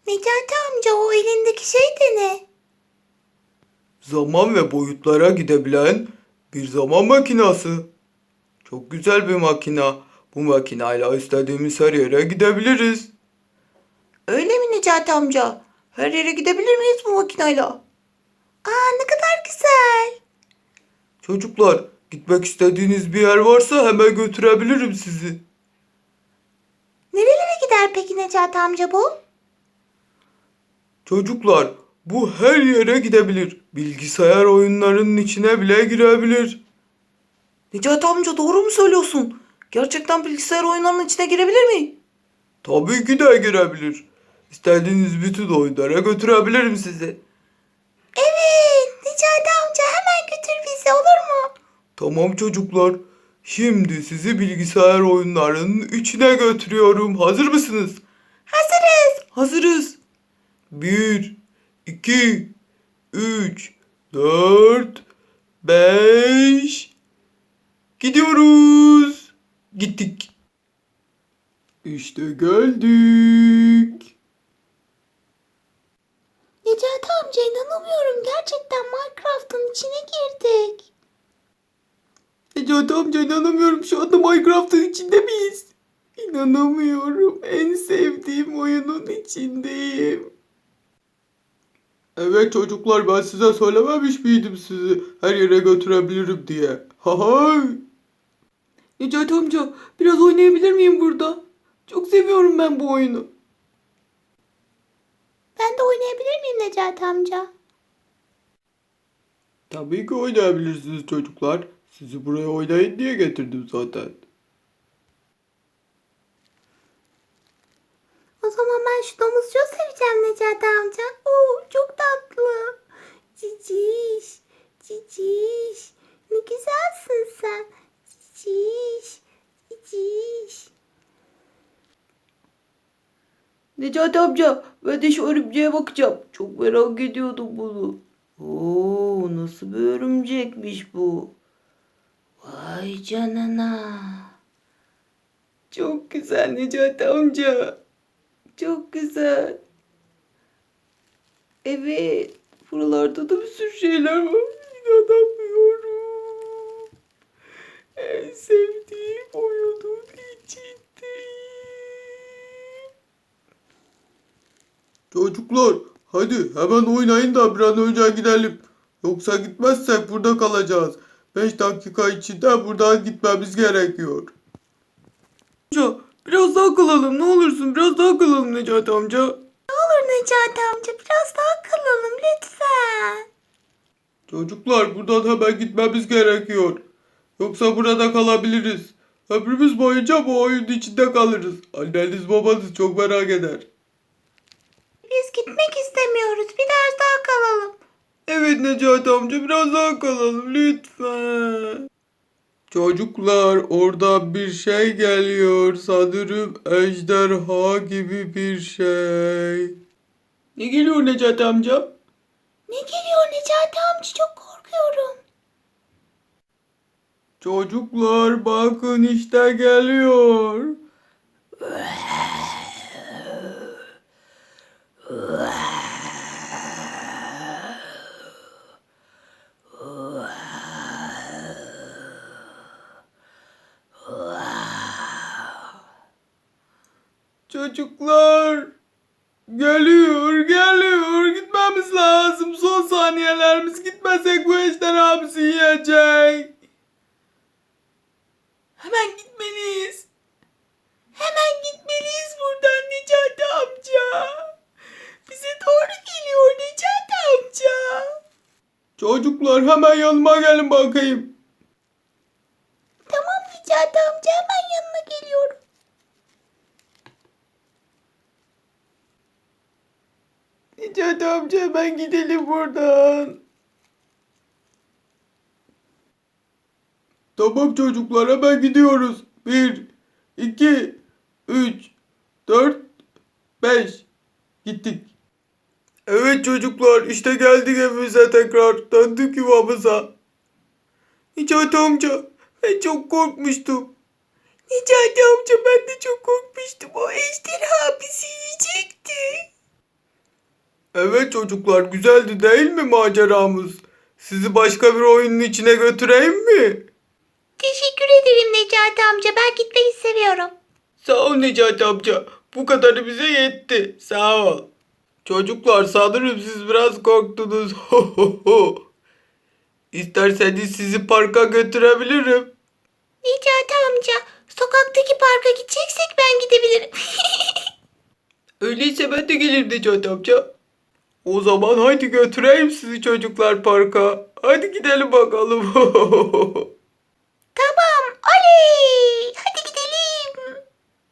Necati amca o elindeki şey de ne? Zaman ve boyutlara gidebilen bir zaman makinası. Çok güzel bir makina. Bu makinayla istediğimiz her yere gidebiliriz. Öyle mi Necati amca? Her yere gidebilir miyiz bu makinayla? Aa ne kadar güzel. Çocuklar, gitmek istediğiniz bir yer varsa hemen götürebilirim sizi. Nerelere gider peki Necati amca bu? Çocuklar, bu her yere gidebilir. Bilgisayar oyunlarının içine bile girebilir. Necati amca doğru mu söylüyorsun? Gerçekten bilgisayar oyunlarının içine girebilir mi? Tabii ki de girebilir. İstediğiniz bütün oyunlara götürebilirim sizi. Evet Necati amca hemen götür bizi olur mu? Tamam çocuklar. Şimdi sizi bilgisayar oyunlarının içine götürüyorum. Hazır mısınız? Hazırız. Hazırız. 1, 2, 3, 4, 5. Gidiyoruz. Gittik. İşte geldik. Necati amca inanamıyorum. Gerçekten Minecraft'ın içine girdik. Necati amca inanamıyorum. Şu anda Minecraft'ın içinde miyiz? İnanamıyorum. En sevdiğim oyunun içindeyim. Evet çocuklar, ben size söylememiş miydim sizi her yere götürebilirim diye. Hahay. Necati amca, biraz oynayabilir miyim burada? Çok seviyorum ben bu oyunu. Ben de oynayabilir miyim Necati amca? Tabii ki oynayabilirsiniz çocuklar. Sizi buraya oynayın diye getirdim zaten. O zaman ben şu domuzcuğu seveceğim Necati amca. Oo, çok tatlı. Ciciş, ciciş. Ne güzelsin sen. Ciciş, ciciş. Necati amca, ben de şu örümceğe bakacağım. Çok merak ediyordum bunu. Oo, nasıl bir örümcekmiş bu? Vay canına. Çok güzel Necati amca. Çok güzel. Evet, buralarda da bir sürü şeyler var. İnanamıyorum. En sevdiğim oyunun içindeyim. Çocuklar, hadi hemen oynayın da bir an önce gidelim. Yoksa gitmezsek burada kalacağız. 5 dakika içinde buradan gitmemiz gerekiyor. Amca, biraz daha kalalım ne olursun, biraz daha kalalım Necati amca. Olur Necati amca biraz daha kalalım lütfen. Çocuklar, buradan hemen gitmemiz gerekiyor. Yoksa burada kalabiliriz. Ömrümüz boyunca bu oyunun içinde kalırız. Anneniz babanız çok merak eder. Biz gitmek istemiyoruz. Biraz daha kalalım. Evet Necati amca, biraz daha kalalım lütfen. Çocuklar, orada bir şey geliyor. Sanırım ejderha gibi bir şey. Ne geliyor Necati amca? Ne geliyor Necati amca çok korkuyorum. Çocuklar bakın işte geliyor. Çocuklar geliyor geliyor, gitmemiz lazım. Son saniyelerimiz, gitmesek bu ejderha bizi yiyecek. Hemen gitmeliyiz. Hemen gitmeliyiz buradan Necati amca. Bize doğru geliyor Necati amca. Çocuklar hemen yanıma gelin bakayım. Tamam Necati amca hemen yanına geliyorum. Necati amca hemen gidelim buradan. Tamam çocuklar, hemen gidiyoruz. 1, 2, 3, 4, 5. Gittik. Evet çocuklar, işte geldik evimize tekrar. Döndük yuvamıza. Necati amca, ben çok korkmuştum. Necati amca ben de çok korkmuştum. O ejderha bizi yiyecekti. Evet çocuklar, güzeldi değil mi maceramız? Sizi başka bir oyunun içine götüreyim mi? Teşekkür ederim Necati amca. Ben gitmeyi seviyorum. Sağ ol Necati amca. Bu kadarı bize yetti. Sağ ol. Çocuklar sanırım siz biraz korktunuz. İsterseniz sizi parka götürebilirim. Necati amca, sokaktaki parka gideceksek ben gidebilirim. Öyleyse ben de gelirim Necati amca. O zaman haydi götüreyim sizi çocuklar parka. Hadi gidelim bakalım. Tamam, oley! Hadi